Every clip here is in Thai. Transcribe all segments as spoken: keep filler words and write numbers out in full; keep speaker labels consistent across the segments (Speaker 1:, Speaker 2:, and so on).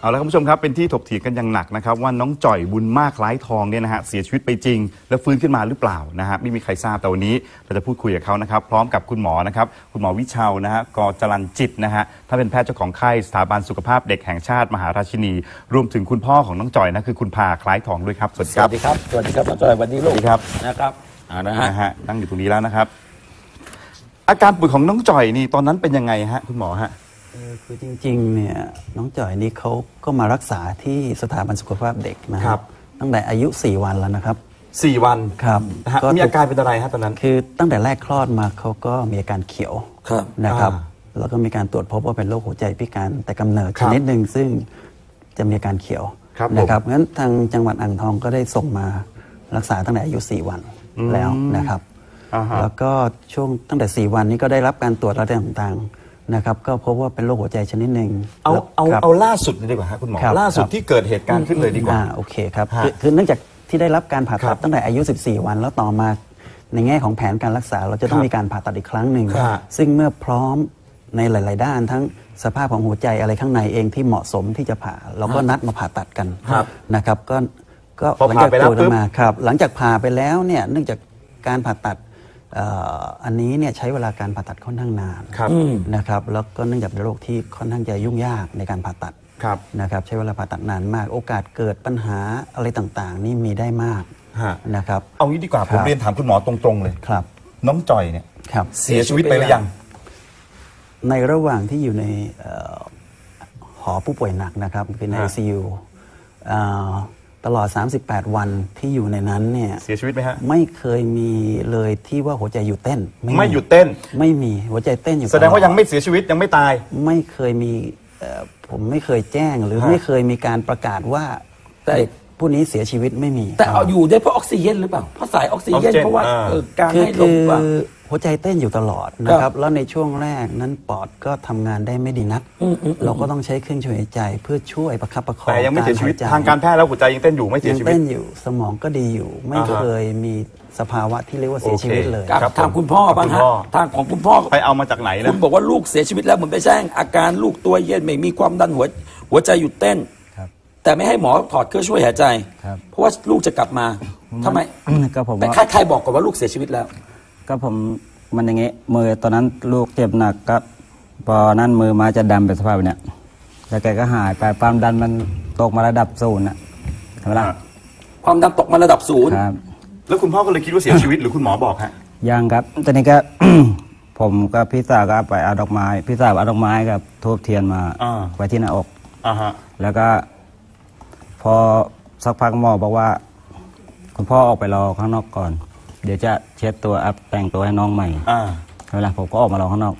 Speaker 1: เอาละคุณผู้ชมครับเป็นที่ถกเถียงกันอย่างหนักนะครับว่าน้องจ่อยบุญมากคล้ายทองเนี่ยนะฮะเสียชีวิตไปจริงแล้วฟื้นขึ้นมาหรือเปล่านะฮะไม่มีใครทราบแต่วันนี้เราจะพูดคุยกับเขานะครับพร้อมกับคุณหมอนะครับคุณหมอวิชาวนะฮะกจรัญจิตนะฮะถ้าเป็นแพทย์เจ้าของไข้สถาบันสุขภาพเด็กแห่งชาติมหาราชินีรวมถึงคุณพ่อของน้องจ่อยนะคือคุณพาคล้ายทองด้วยครับสวัสดีครับ
Speaker 2: สวัสดีครับสวัสดีครับน้องจ่อยวันนี้ลูก
Speaker 1: ครับ
Speaker 2: นะครับอ่านะฮะ
Speaker 1: นั่งอยู่ตรงนี้แล้วนะครับอาการป่วยของน้องจ่อยนี่ตอนนั้นเป็นยังไงฮะคุณหมอฮะ
Speaker 3: คือจริงๆเนี่ยน้องจ่อยนี่เขาก็มารักษาที่สถาบันสุขภาพเด็กนะครับตั้งแต่อายุสี่วันแล้วนะครับ
Speaker 1: สี่วัน
Speaker 3: ครับ
Speaker 1: มีอาการเป็นอะไรฮะตอนนั้น
Speaker 3: คือตั้งแต่แรกคลอดมาเขาก็มีอาการเขียวนะครับแล้วก็มีการตรวจพบว่าเป็นโรคหัวใจพิการแต่กำเนิดชนิดหนึ่งซึ่งจะมีอาการเขียวนะครับงั้นทางจังหวัดอ่างทองก็ได้ส่งมารักษาตั้งแต่อายุสี่วันแล้วนะครับแล้วก็ช่วงตั้งแต่สี่วันนี้ก็ได้รับการตรวจระดับต่างๆนะครับก็พบว่าเป็นโรคหัวใจชนิดหนึ่ง
Speaker 1: เอาเอาเอาล่าสุดเลยดีกว่าครับคุณหมอล่าสุดที่เกิดเหตุการณ์ขึ้นเลยดีกว่า
Speaker 3: โอเคครับคือเนื่องจากที่ได้รับการผ่าตัดตั้งแต่อายุสิบสี่วันแล้วต่อมาในแง่ของแผนการรักษาเราจะต้องมีการผ่าตัดอีกครั้งหนึ่งซึ่งเมื่อพร้อมในหลายๆด้านทั้งสภาพของหัวใจอะไรข้างในเองที่เหมาะสมที่จะผ่าเราก็นัดมาผ่าตัดกันนะครับก็ก็หลังจากตรวจมาครับหลังจากผ่าไปแล้วเนี่ยเนื่องจากการผ่าตัดอันนี้เนี่ยใช้เวลาการผ่าตัดค่อนข้างนานนะครับแล้วก็เนื่องจากเป็นโรคที่ค่อนข้างจะยุ่งยากในการผ่าตัดนะครับใช้เวลาผ่าตัดนานมากโอกาสเกิดปัญหาอะไรต่างๆนี่มีได้มากนะครับ
Speaker 1: เอางี้ดีกว่าผมเรียนถามคุณหมอตรงๆเลย
Speaker 3: ครับ
Speaker 1: น้องจ่อยเนี่ยเสียชีวิตไปหรือยัง
Speaker 3: ในระหว่างที่อยู่ในหอผู้ป่วยหนักนะครับคือใน ไอ ซี ยู ตลอดสามสิบแปดวันที่อยู่ในนั้นเนี่ย
Speaker 1: เสียชีวิตไหมฮะ
Speaker 3: ไม่เคยมีเลยที่ว่าหัวใจหยุดเต้น
Speaker 1: ไม่หยุดเต้น
Speaker 3: ไม่มีหัวใจเต้นอยู่
Speaker 1: แสดงว่ายังไม่เสียชีวิตยังไม่ตาย
Speaker 3: ไม่เคยมีผมไม่เคยแจ้งหรือไม่เคยมีการประกาศว่าแต่ผู้นี้เสียชีวิตไม่มี
Speaker 2: แต่เอาอยู่ได้เพราะออกซิเจนหรือเปล่าเพราะสายออกซิเจนเพราะว่าการให้ลมว่า
Speaker 3: หัวใจเต้นอยู่ตลอดนะครับแล้วในช่วงแรกนั้นปอดก็ทำงานได้ไม่ดีนักเราก็ต้องใช้เครื่องช่วยหายใจเพื่อช่วยประคับประคอง
Speaker 1: แต่ยังไม่เสียชีวิตทางการแพทย์แล้วหัวใจยังเต้นอยู่ไม่เสียชีวิต
Speaker 3: ยังเต้นอยู่สมองก็ดีอยู่ไม่เคยมีสภาวะที่เรียกว่าเสียชีวิตเลย
Speaker 2: ทางคุณพ่อบ้างฮะทางของคุณพ่อ
Speaker 1: ไปเอามาจากไหนนะ
Speaker 2: คุณบอกว่าลูกเสียชีวิตแล้วเหมือนไปแจ้งอาการลูกตัวเย็นไม่มีความดันหัวหัวใจหยุดเต้นแต่ไม่ให้หมอถอดเครื่องช่วยหายใจเพราะว่าลูกจะกลับมาทำไม
Speaker 3: ก็ผม
Speaker 2: แต่ใครๆบอกก่อนว่าลูกเสียชีวิตแล้ว
Speaker 3: ก็ผมมันอย่างเงี้ยมือตอนนั้นลูกเจ็บหนักก็พอนั่นมือมาจะดำเป็นสภาพเนี้ยแล้วแกก็หายไปความดันมันตกมาระดับศูนย์นะทำไมล่ะ
Speaker 2: ความดันตกมาระดับศูนย์
Speaker 1: ครับแล้วคุณพ่อก็เลยคิดว่าเสียชีวิตหรือคุณหมอบอกฮะ
Speaker 3: ยังครับตอนนี้ก็ ผมกับพี่สาวก็ไปเอาดอกไม้พี่สาวเอาดอกไม้กับทูบเทียนมาไว้ที่หน้าอกแล้วก็พอสักพักหมอบอกว่าคุณพ่อออกไปรอข้างนอกก่อนเดี๋ยวจะเช็ดตัวอัพแต่งตัวให้น้องใหม่เวลาผมก็ออกมารอข้างนอก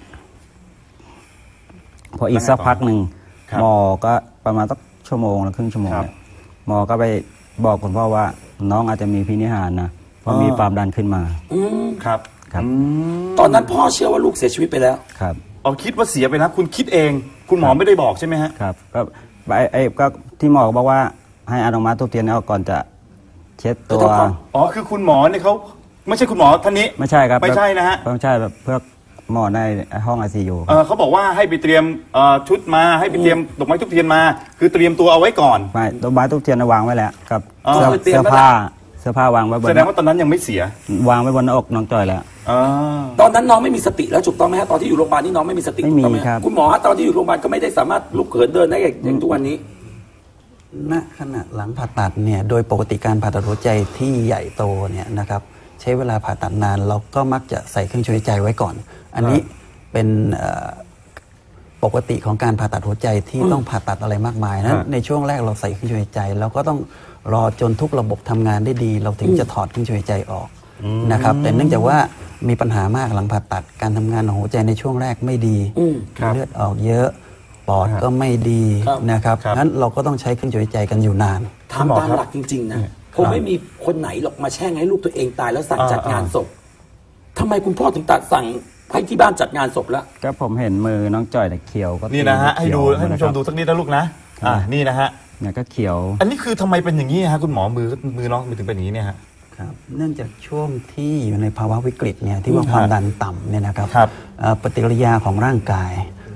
Speaker 3: พออีกสักพักหนึ่งหมอก็ประมาณสักชั่วโมงหรือครึ่งชั่วโมงเนี่ยหมอก็ไปบอกคุณพ่อว่าน้องอาจจะมีพินิหารนะเพราะมีความดันขึ้นมา
Speaker 1: ครับ
Speaker 2: ครับตอนนั้นพ่อเชื่อว่าลูกเสียชีวิตไปแล้ว
Speaker 3: ครับ
Speaker 1: เอาคิดว่าเสียไปนะคุณคิดเองคุณหมอไม่ได้บอกใช่ไหมฮะ
Speaker 3: ครับก็ไอ้ก็ที่หมอบอกว่าให้เอาดอกไม้ทูบเทียนเอาก่อนจะเช็ดตัว
Speaker 1: อ๋อคือคุณหมอเนี่ยเขาไม่ใช่คุณหมอท่านนี้
Speaker 3: ไม่ใช่ครับ
Speaker 1: ไม่ใช่นะฮะ
Speaker 3: ไม่ใช่แบบเพื่อหมอในห้อง ไอ ซี ยู
Speaker 1: เออเขาบอกว่าให้ไปเตรียมชุดมาให้ไปเตรียมดอกไม้ทูบเทียนมาคือเตรียมตัวเอาไว้ก่อน
Speaker 3: ไม่ดอกไม้ทูบเทียนวางไว้แล้วครับเสื้อผ้าเสื้อผ้าวางไว้บน
Speaker 1: แสดงว่าตอนนั้นยังไม่เสียว
Speaker 3: างไว้บนหน้าอกน้องจ่อยแล้ว
Speaker 2: ตอนนั้นน้องไม่มีสติแล้วถูกต้องไหมฮะตอนที่อยู่โรงพยาบาลนี่น้องไม่มีสติ
Speaker 3: ไม่มีครับ
Speaker 2: คุณหมอตอนที่อยู่โรงพยาบาลก็ไม่ได้สามารถลุกเขินเดินได้อย่างทุกวันนี้
Speaker 3: ณขณะหลังผ่าตัดเนี่ยโดยปกติการผ่าตัดหัวใจที่ใหญ่โตเนี่ยนะครับใช้เวลาผ่าตัดนานเราก็มักจะใส่เครื่องช่วยหายใจไว้ก่อนอันนี้เป็นปกติของการผ่าตัดหัวใจที่ต้องผ่าตัดอะไรมากมายนะในช่วงแรกเราใส่เครื่องช่วยหายใจแล้วก็ต้องรอจนทุกระบบทำงานได้ดีเราถึงจะถอดเครื่องช่วยหายใจออกนะครับแต่เนื่องจากว่ามีปัญหามากหลังผ่าตัดการทำงานของหัวใจในช่วงแรกไม่ดีเลือดออกเยอะปอดก็ไม่ดีนะครับงั้นเราก็ต้องใช้เครื่องช่วยหายใจกันอยู่นาน
Speaker 2: ทำตามหลักจริงๆนะคงไม่มีคนไหนหรอกมาแช่งให้ลูกตัวเองตายแล้วสั่งจัดงานศพทำไมคุณพ่อถึงตัดสั่งให้ที่บ้านจัดงานศพแล้ว
Speaker 3: ก็ผมเห็นมือน้องจ่อยแต่เขียวก็
Speaker 1: นี่นะฮะให้ดูให้ผู้ชมดูสักนิดนะลูกนะอ่านี่นะฮะ
Speaker 3: เนี่ยก็เขียว
Speaker 1: อันนี้คือทำไมเป็นอย่างนี้ฮะคุณหมอมือมือน้องมือถึงเป็นอย่างนี้เนี่ยฮะ
Speaker 3: ครับเนื่องจากช่วงที่อยู่ในภาวะวิกฤตเนี่ยที่ว่าความดันต่ำเนี่ยนะครับปฏิกิริยาของร่างกาย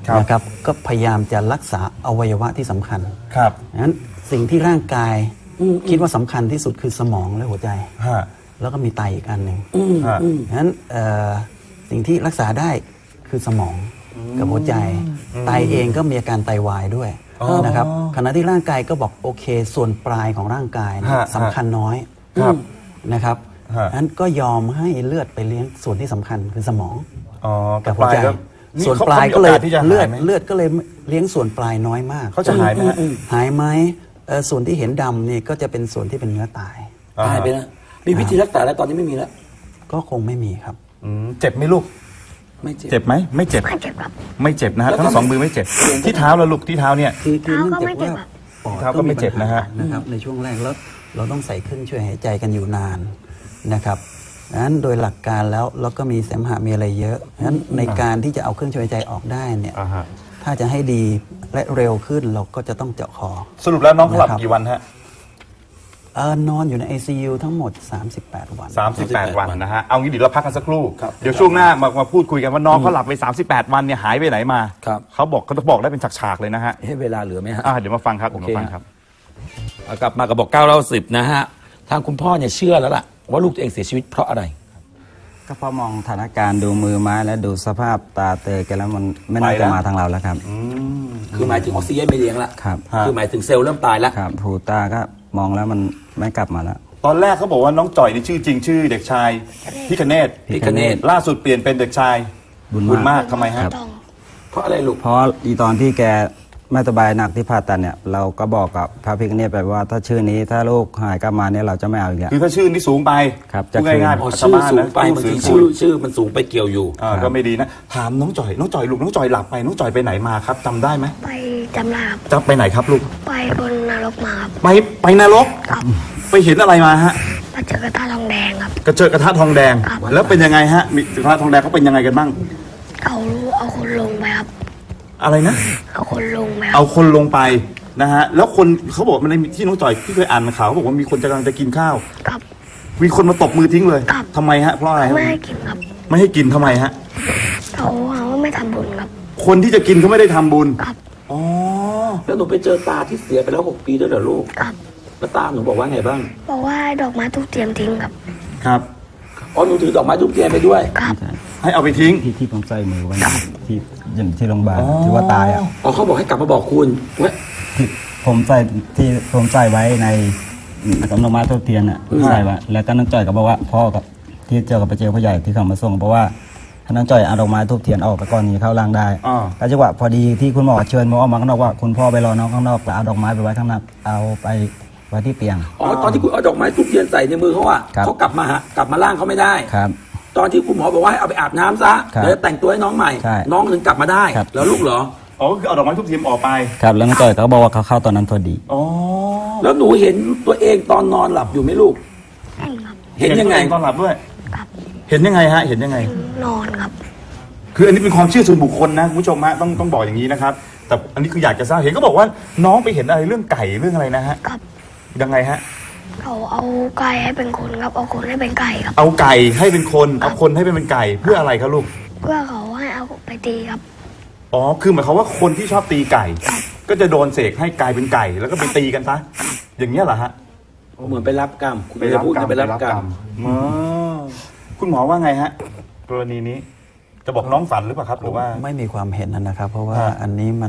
Speaker 1: ครับ
Speaker 3: นะครับก็พยายามจะรักษาอวัยวะที่สำคัญ
Speaker 1: ครับ
Speaker 3: งั้นสิ่งที่ร่างกายคิดว่าสำคัญที่สุดคือสมองและหัวใจ
Speaker 1: ฮะ
Speaker 3: แล้วก็มีไตอีกอันหนึ่ง
Speaker 1: ฮะ
Speaker 3: งั้นเอ่อสิ่งที่รักษาได้คือสมองกับหัวใจ ไตเองก็มีอาการไตวายด้วยนะครับขณะที่ร่างกายก็บอกโอเคส่วนปลายของร่างกายเนี่ย
Speaker 1: ฮะ
Speaker 3: สำคัญน้อย
Speaker 1: ครับ
Speaker 3: นะครับ
Speaker 1: ฮะ
Speaker 3: งั้นก็ยอมให้เลือดไปเลี้ยงส่วนที่สำคัญคือสมอง
Speaker 1: อ๋อ
Speaker 3: กับหัวใจ
Speaker 1: ก็นี่
Speaker 3: ส่วน
Speaker 1: เขา
Speaker 3: ปลาย
Speaker 1: เขามี
Speaker 3: ก็เลย
Speaker 1: โอกาสที่จะหาย
Speaker 3: เลือด
Speaker 1: ไหม
Speaker 3: เลือดก็เลยเลี้ยงส่วนปลายน้อยมาก
Speaker 1: เขาจะหายไหมฮะ
Speaker 3: หายไหมเอ่อส่วนที่เห็นดำนี่ก็จะเป็นส่วนที่เป็นเนื้อตาย
Speaker 2: ตายไปแล้วมีวิธีรักษาแล้วตอนนี้ไม่มีแล้ว
Speaker 3: ก็คงไม่มีครับ
Speaker 1: อืมเจ็บไหมลูก
Speaker 2: ไม่เจ็บ
Speaker 1: เจ็บไหมไม่เจ็บ
Speaker 4: ไม่เจ็บครับ
Speaker 1: ไม่เจ็บนะฮะ
Speaker 2: แล้ว
Speaker 1: ทั้ง
Speaker 2: ทำไม
Speaker 1: สองมือไม่เจ็บ ที่เท้าแล้วลูกที่เท้าเนี่ย
Speaker 3: คือคือ
Speaker 4: เท้า
Speaker 3: เนื่อง
Speaker 4: ก็
Speaker 3: จาก
Speaker 4: ไม่เจ็บ
Speaker 3: ว่า
Speaker 4: ครับ
Speaker 3: ปอด
Speaker 1: เท้าก็ไม่เจ็บนะฮะ
Speaker 3: นะครับในช่วงแรกแล้วเราต้องใส่เครื่องช่วยหายใจกันอยู่นานนะครับนั้นโดยหลักการแล้วเราก็มีเสมหะมีอะไรเยอะนั้นในการที่จะเอาเครื่องช่วยหายใจออกได้เนี่ย
Speaker 1: อ่าฮะ
Speaker 3: ถ้าจะให้ดีและเร็วขึ้นเราก็จะต้องเจาะคอ
Speaker 1: สรุปแล้วน้องเขาหลับ
Speaker 3: นะครับ
Speaker 1: กี่วันฮะ
Speaker 3: เออนอนอยู่ใน ไอ ซี ยู ทั้งหมด สามสิบแปด วัน
Speaker 1: สามสิบแปด
Speaker 2: วั
Speaker 1: วัน นนะฮะ เอางี้เดี๋ยวเราพักกันสักครู่
Speaker 2: ครับ
Speaker 1: เดี๋ยวช่วงหน้ามามาพูดคุยกันว่าน้องเขาหลับไปสามสิบแปดวันเนี่ยหายไปไหนมา
Speaker 2: ครับ
Speaker 1: เขาบอกเขาจะบอกได้เป็นฉากๆเลยนะฮะ
Speaker 2: ให้เวลาเหลือไหมฮะ
Speaker 1: อ่าเดี๋ยวมาฟังครับ
Speaker 2: โอ
Speaker 1: เดี๋ยว
Speaker 2: เค
Speaker 1: มาฟังครับ
Speaker 2: เอากลับมากับบอกเก้าเล่าสิบนะฮะทางคุณพ่อเนี่ยเชื่อแล้วล่ะว่าลูกตัวเองเสียชีวิตเพราะอะไร
Speaker 5: ก็พอมองสถานการณ์ดูมือไม้และดูสภาพตาเตยกันแล้วมันไม่น่า
Speaker 1: ไปแล้
Speaker 5: จะ
Speaker 1: ว
Speaker 5: มาทางเราแล้วครับ
Speaker 2: คือหมายถึงออกซิเจนไม่เลี้ยงละ
Speaker 5: ครับ
Speaker 2: คือหมายถึงเซลล์เริ่มตายแล้ว
Speaker 5: ครับหูตาก็มองแล้วมันไม่กลับมาแล้ว
Speaker 1: ตอนแรกเขาบอกว่าน้องจ่อยนี่ชื่อจริงชื่อเด็กชายพิคเนต
Speaker 2: พิคเนต
Speaker 1: ล่าสุดเปลี่ยนเป็นเด็กชาย
Speaker 5: บุญมาก
Speaker 1: ญมากทำไมฮะ
Speaker 4: ต้อง
Speaker 2: เพราะอะไรลูก
Speaker 5: เพราะอีตอนที่แกไม่สบายหนักที่ผ่าตัดเนี่ยเราก็บอกกับพระพิฆเนศไปว่าถ้าชื่อนี้ถ้าลูกหายกลับมาเนี่ยเราจะไม่เอาอีกแล้ว
Speaker 1: คือถ้าชื่อนี่สูงไป
Speaker 5: ครับ
Speaker 1: พูดง่าย
Speaker 2: อ๋อ
Speaker 1: ๆ
Speaker 2: ชื่อ
Speaker 1: ชาวบ้าน
Speaker 2: สูง
Speaker 1: นะ
Speaker 2: ไปบางที
Speaker 1: ชื่
Speaker 2: ชื่
Speaker 1: อ
Speaker 2: อชื่อมันสูงไปเกี่ยวอยู่
Speaker 1: อ่าก็ไม่ดีนะ ถามน้องจ่อย น้องจ่อยลูกน้องจ่อยหลับไป น้องจ่อยไปไหนมาครับจำได้ไหม
Speaker 4: ไปจำลาบ
Speaker 1: จะไปไหนครับลูก
Speaker 4: ไปบนนรกมาครับ
Speaker 1: ไปไปนรก
Speaker 4: ครับ
Speaker 1: ไปเห็นอะไรมาฮะ
Speaker 4: มาเจอกระทะทองแดงครับ
Speaker 1: กระเจิดกระทะทองแดง
Speaker 4: ครับ
Speaker 1: แล้วเป็นยังไงฮะมีกระทะทองแดงเขาเป็นยังไงกันบ้าง
Speaker 4: เขาเอาคนลงไปครับ
Speaker 1: อะไรนะ
Speaker 4: เอาคนลงไปครั
Speaker 1: เอา
Speaker 4: บ
Speaker 1: คนลงไปนะฮะ แล้วคนเขาบอกมันในที่น้องจ่อยที่เคยอ่านข่าวเขาบอกว่ามีคนจะกำลังจะกินข้าว
Speaker 4: ครับ
Speaker 1: มีคนมาตบมือทิ้งเลย
Speaker 4: ครับ
Speaker 1: ทำไมฮะ เพราะอะไรฮะ
Speaker 4: ไม่ให้กินครับ
Speaker 1: ไม่ให้กินทำไมฮะ
Speaker 4: เขาเขาไม่ทำบุญครับ
Speaker 1: คนที่จะกินเขาไม่ได้ทำบุญ
Speaker 4: ครับ
Speaker 1: อ๋อ
Speaker 2: แล้วหนูไปเจอตาที่เสียไปแล้วหกปีด้วยเหรอลูก
Speaker 4: ครับ
Speaker 2: แล้วตาหนูบอกว่าไงบ้าง
Speaker 4: บอกว่าให้ดอกไม้ทุกเตรียมทิ้งครับ
Speaker 1: ครับ
Speaker 2: อ๋อหนูถือดอกไม้ทุกเทียนไปด้วย
Speaker 4: ครับ
Speaker 1: ให้เอาไปทิ้ง
Speaker 5: ที่ที่ผมใส่มือไว้ที่อย่างที่โรงพยาบาลที่ว่าตายอ่ะ
Speaker 2: อ๋อเขาบอกให้กลับมาบอกคุณว่า
Speaker 5: ที่ผมใส่ที่ผมใส่ไว้ในกำลังมาทุกเทียนอ่ะใส่ไว้แล้วก็น้องจ่อยก็บอกว่าพ่อกับที่เจอกับพระเจ้าพ่อใหญ่ที่เขามาส่งเพราะว่าถ้าน้องจ่อยเอาดอกไม้ทุกเทียนออกไปก่อนนี้เข้าร่างได้
Speaker 1: อ่า
Speaker 5: ก็จังหวะพอดีที่คุณหมอเชิญหมอออกมาข้างนอกว่าคุณพ่อไปรอน้องข้างนอกแล้วเอาดอกไม้ไปไว้ข้างนอกเอาไปไว้ที่เตียง
Speaker 2: อ๋อตอนที่คุณเอาดอกไม้ทุกเทียนใส่ในมือเขาอะ
Speaker 5: ครับ
Speaker 2: เขากลับมาฮะกลับมาล่างเขาไม่ได้
Speaker 5: ครับ
Speaker 2: ตอนที่คุณหมอบอกว่าให้เอาไปอาบน้ำซะ
Speaker 5: ครับ
Speaker 2: เดี๋ยวจะแต่งตัวให้น้องใหม่
Speaker 5: ใช่
Speaker 2: น้องถึงกลับมาได้
Speaker 5: ครับ
Speaker 2: แล้วลูกเหรอ
Speaker 1: อ๋อก็คือเอาดอกไม้ทุกทีมออกไป
Speaker 5: ครับแล้วน้องจ่อยก็บอกว่าเขาเข้าตอนนั้นพอดี
Speaker 1: อ๋อ
Speaker 2: แล้วหนูเห็นตัวเองตอนนอนหลับอยู่ไหมลูก
Speaker 4: เห็นครับ
Speaker 2: เห็นยังไง
Speaker 1: ตัวอตอนหลับด้วย
Speaker 4: ครับ
Speaker 1: เห็นยังไงฮะ เห็นยังไง
Speaker 4: นอนครับ
Speaker 1: คืออันนี้เป็นความเชื่อส่วนบุคคลนะคุณผู้ชมฮะต้องต้องบอกอย่างนี้นะครับ แต่อันนี้คืออยากจะทราบเห็นก็บอกว่าน้องไปเห็นอะไรเรื่องไก่เรื่องอะไรนะฮะ
Speaker 4: ครับ
Speaker 1: ยังไงฮะ
Speaker 4: เขาเอาไก่ให้เป็นคนครับ เอาคนให้เป็นไก่ครับ
Speaker 1: เอาไก่ให้เป็นคน เอาคนให้เป็นไก่เพื่ออะไรครับลูก
Speaker 4: เพื่อเขาให้เอาไปตีครับ
Speaker 1: อ๋อ คือหมายความว่าคนที่ชอบตีไก่ ก็จะโดนเสกให้กลายเป็นไก่ แล้วก็ไปตีกันซะอย่างเงี้ยเหรอฮะ
Speaker 2: เหมือนไปรับกรรมคุณไม่ได้พูดนะไปรับกรรม
Speaker 1: อ๋อคุณหมอว่าไงฮะกรณีนี้ จะบอกน้องฝันหรือเปล่าครับ หรือว่า
Speaker 3: ไม่มีความเห็นนะครับ เพราะว่า
Speaker 1: ฮะ
Speaker 3: อันนี้มัน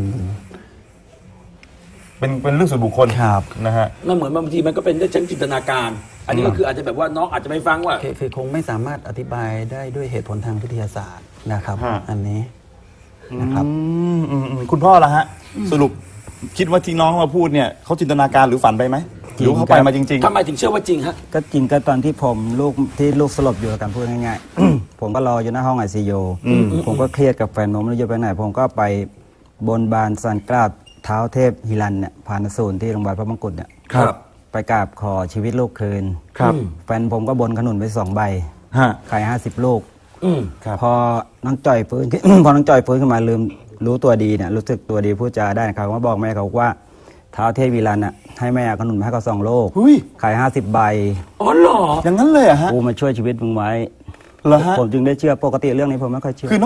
Speaker 1: เป็นเป็นเรื่องส่วนบุคคล
Speaker 3: ครับ
Speaker 1: นะฮะ
Speaker 2: มันเหมือนบางทีมันก็เป็นได้ชั้นจินตนาการ อันนี้ก็คืออาจจะแบบว่าน้องอาจจะไม่ฟังว่า
Speaker 3: คือคือคงไม่สามารถอธิบายได้ด้วยเหตุผลทางวิทยาศาสตร์นะครับ
Speaker 1: ฮะ
Speaker 3: อันนี้นะครับ
Speaker 1: อืมอืมอืมคุณพ่อละฮะ สรุปคิดว่าที่น้องมาพูดเนี่ยเขาจินตนาการหรือฝันไปไหมหรือว่าเขาไปมาจริง
Speaker 2: ทำไมถึงเชื่อว่าจริงฮะ
Speaker 5: ก็จริงก็ตอนที่ผมลูกที่ลูกสลบอยู่กันพูดง่ายๆ ผมก็รออยู่หน้าห้องไอซียูผมก็เครียดกับแฟนผมไม่รู้จะไปไหน ผมก็ไปบนบานสันกราบเท้าเทพฮิรันเนี่ยผ่านศูนย์ที่โรงพยาบาลพระมงกุฎเนี่ย
Speaker 1: ครับ
Speaker 5: ไปกราบขอชีวิตลูกคืน
Speaker 1: ครับ
Speaker 5: แฟนผมก็บนขนุนไปสองใบ
Speaker 1: ฮะ
Speaker 5: ขายห้าสิบลูก
Speaker 2: อืม
Speaker 1: ครับ
Speaker 5: พอน้องจ่อยฟื้น พอน้องจ่อยฟื้นขึ้นมาลืมรู้ตัวดีเนี่ยรู้สึกตัวดีพูดจาได้เขาก็บอกแม่เขาว่าเท้าเทพวิรันอ่ะให้แม่เอาขนุนมาให้เขาสองโลก
Speaker 1: หุ้ย
Speaker 5: ขายห้าสิบใบ
Speaker 2: อ๋อเหรอ
Speaker 1: อย่างนั้นเลยเหรอะฮะ
Speaker 5: กูมาช่วยชีวิตมึงไว้
Speaker 1: เหรอฮะ
Speaker 5: ผมจึงได้เชื่อปกติเรื่องนี้ผมไม่ค่อยเชื่อ
Speaker 1: คือน้อง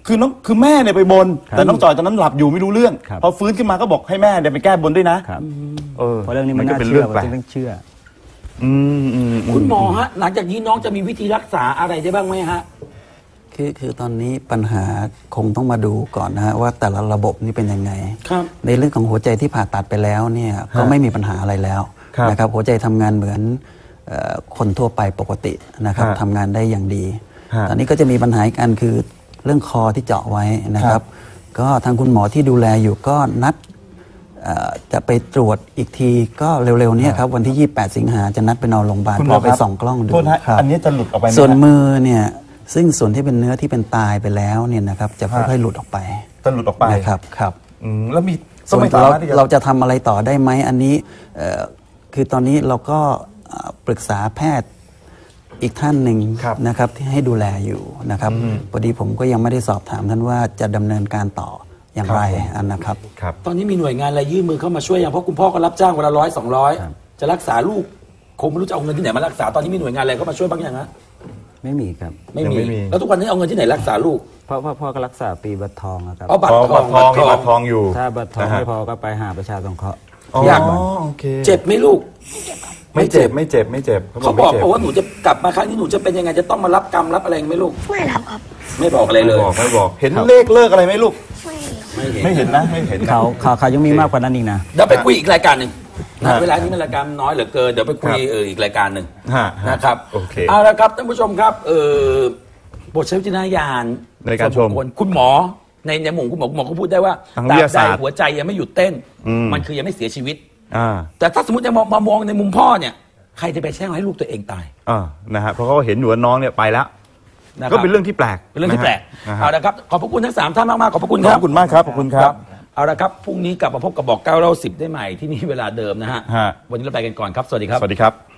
Speaker 1: คือน้องคือแม่เนี่ยไปบน แต่น้องจอยตอนนั้นหลับอยู่ไม่รู้เรื่อง
Speaker 5: ครับ
Speaker 1: พอฟื้นขึ้นมาก็บอกให้แม่เนี่ยไปแก้บนด้วยนะครับ เออ
Speaker 5: เพราะเรื่องนี้มัน
Speaker 1: ก็
Speaker 5: น่า
Speaker 1: เป็น
Speaker 5: เชื่
Speaker 1: เรื่
Speaker 5: อ
Speaker 1: อง
Speaker 5: ผม
Speaker 1: แปลก
Speaker 5: จึงต้องเชื่อ
Speaker 1: อืมอืม
Speaker 2: คุณหมอฮะหลังจากนี้น้องจะมีวิธีรักษาอะไรได้บ้างไหมฮะ
Speaker 3: คือคือตอนนี้ปัญหาคงต้องมาดูก่อนนะฮะว่าแต่ละระบบนี่เป็นยังไง
Speaker 2: ครับ
Speaker 3: ในเรื่องของหัวใจที่ผ่าตัดไปแล้วเนี่ยก็ไม่มีปัญหาอะไรแล้วนะครับหัวใจทำงานเหมือนเอ่อคนทั่วไปปกตินะครับทำงานได้อย่างดี ตอนนี้ก็จะมีปัญหาอีกอันคือเรื่องคอที่เจาะไว้นะครับ ก็ทางคุณหมอที่ดูแลอยู่ก็นัดเอ่อจะไปตรวจอีกทีก็เร็วๆเนี้ครับวันที่ ยี่สิบแปด สิงหาจะนัดไปนอนโรงพยาบาล
Speaker 1: คุณห
Speaker 3: พ
Speaker 1: มอ
Speaker 3: อไป
Speaker 1: ครับ
Speaker 3: ส่องกล้องดู
Speaker 1: โทษนะ
Speaker 3: ครับ
Speaker 1: อันนี้จะหลุดออกไปไหม
Speaker 3: ส่วน
Speaker 1: ฮะ
Speaker 3: มือเนี่ยซึ่งส่วนที่เป็นเนื้อที่เป็นตายไปแล้วเนี่ยนะครับจะค่อยๆหลุดออกไป
Speaker 1: จะหลุดออกไป
Speaker 3: นะครับครับ
Speaker 1: อืมแล้วมีก็
Speaker 3: ส่วน
Speaker 1: ไม่สา
Speaker 3: เรา
Speaker 1: มารถที่จะ
Speaker 3: เราจะทำอะไรต่อได้ไหมอันนี้เอ่อคือตอนนี้เราก็เอ่อปรึกษาแพทย์อีกท่านหนึ่ง
Speaker 1: ครับ
Speaker 3: นะครับที่ให้ดูแลอยู่นะครับพอดีผมก็ยังไม่ได้สอบถามท่านว่าจะดำเนินการต่ออย่างไรอันนะครับ
Speaker 1: ครับ
Speaker 2: ตอนนี้มีหน่วยงานอะไรยื่นมือเข้ามาช่วยยังเพราะคุณพ่อก็รับจ้างวันละร้อยสองร้อยจะรักษาลูกคงไม่รู้จะเอาเงินที่ไหนมารักษาตอนนี้มีหน่วยงานอะไรเข้ามาช่วยบ้างยังฮะ
Speaker 5: ไม่มีครับ
Speaker 2: ไม่
Speaker 1: ยัง
Speaker 2: มี
Speaker 1: ไม่มี
Speaker 2: แล้วทุกวันนี้เอาเงินที่ไหนรักษาลูก
Speaker 5: เพราะพ่อพ่อก็รักษาปีบัตรทองนะครับ
Speaker 2: เอาบัต
Speaker 1: อ๋
Speaker 2: ร
Speaker 1: อ
Speaker 2: ทอ
Speaker 1: บั
Speaker 2: ง
Speaker 1: ตรทองมีบัตรทองอยู่
Speaker 5: ถ้าบัตรทอง
Speaker 1: นะฮะ
Speaker 5: ไม่พอก็ไปหาประชาสงเคราะห์
Speaker 1: อ๋อ
Speaker 2: อยาก
Speaker 1: โอเค
Speaker 2: เจ็บไหมลูก
Speaker 1: ไม่เจ็บไม่เจ็บไม่เจ็บ
Speaker 2: เขาบอก
Speaker 1: ไม่จ็
Speaker 2: บอกว่าหนูจะกลับมาครั้งนี้หนูจะเป็นยังไงจะต้องมารับกรรมรับอะไรไหมลูก
Speaker 4: ไม่รับครับ
Speaker 2: ไม่บอกอะไรเล
Speaker 1: ไม่
Speaker 2: ย
Speaker 1: บอกไม่บอก เห็นเลขเลิกอะไรไหมลูก
Speaker 4: ไม่
Speaker 2: ไม่เห็น
Speaker 1: ไม่เห็นนะไม่เห็นนะ
Speaker 5: เขาเขาเขายังมีมากกว่านั้นอีกนะ
Speaker 2: เดี๋ยวไปคุยอีกรายการหนึ่งนะ
Speaker 1: ฮะ
Speaker 2: เวลานี้มันรายการน้อยเหลือเกินเดี๋ยวไปคุย
Speaker 1: ครับ
Speaker 2: เอออีกรายการหนึ่ง
Speaker 1: ฮะฮะ
Speaker 2: นะครับ
Speaker 1: โอเค
Speaker 2: เอาละครับท่านผู้ชมครับเออบทใช้วิจารณญาณ
Speaker 1: ในการชม
Speaker 2: ส่วนบุคคลคุณหมอในในหมู่คุณหมอคุณหมอเขาพูดได้ว่า
Speaker 1: ทาง
Speaker 2: ต
Speaker 1: วิ
Speaker 2: รา
Speaker 1: ท
Speaker 2: บ
Speaker 1: ยา
Speaker 2: ใด
Speaker 1: ศาสตร์
Speaker 2: หัวใจยังไม่หยุดเต้น
Speaker 1: อืม
Speaker 2: มันคือยังไม่เสียชีวิต
Speaker 1: อ่า
Speaker 2: แต่ถ้าสมมติจะมองมามองในมุมพ่อเนี่ยใครจะไปแช่งให้ลูกตัวเองตาย
Speaker 1: อ่านะฮะเพราะเขาเห็นอยู่ว่าน้องเนี่ยไปแล้ว
Speaker 2: นะครับ
Speaker 1: ก็เป็นเรื่องที่แปลก
Speaker 2: เป็นเรื่องที่แปลก
Speaker 1: นะฮะ
Speaker 2: เอาละครับขอบพระคุณทั้งสามท่านมากๆขอบพระคุณ
Speaker 1: ข
Speaker 2: ค
Speaker 1: อ
Speaker 2: รั
Speaker 1: บบ คุณมากครับขอบคุณครับ
Speaker 2: เอาละครับพรุ่งนี้กลับมาพบกับบอกเก้าเล่าสิบได้ใหม่ที่นี่เวลาเดิมนะฮะ
Speaker 1: ฮะ
Speaker 2: วันนี้เราไปกันก่อนครับสวัสดีครับ
Speaker 1: สวัสดีครับ